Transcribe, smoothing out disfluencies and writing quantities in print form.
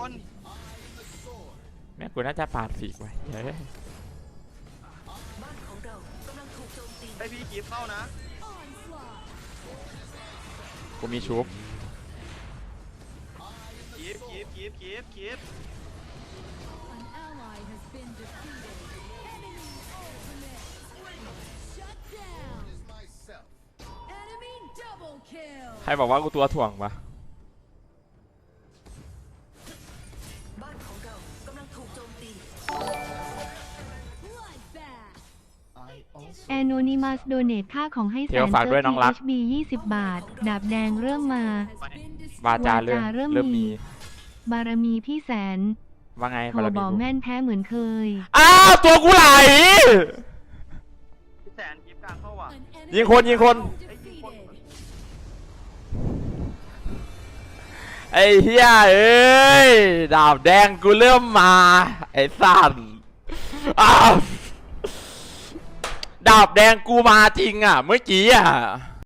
นแม่กูน่าจะปาดฝีกไว้เฮ้ยไอพี่กีบเข้านะกูมีชุบกีบใครบอกว่ากูตัวถ่วงปะแอนโนนิมัสโดเนทค่าของให้แสนฝากด้วยน้องรัก HB 20 บาทดาบแดงเริ่มมาวาจาเริ่มมีบารมีพี่แสนว่าไงโทรบารมีบอกกูแม่นแพ้เหมือนเคยอ้าวตัวกูไหลพี่แสนกีบกลางเข้าว่ะยิงคนไอ้ยิงคนไอ้เฮียเอ้ยดาบแดงกูเริ่มมาไอ้สัตว์อ้าวดาบแดงกูมาจริงอ่ะเมื่อกี้อ่ะ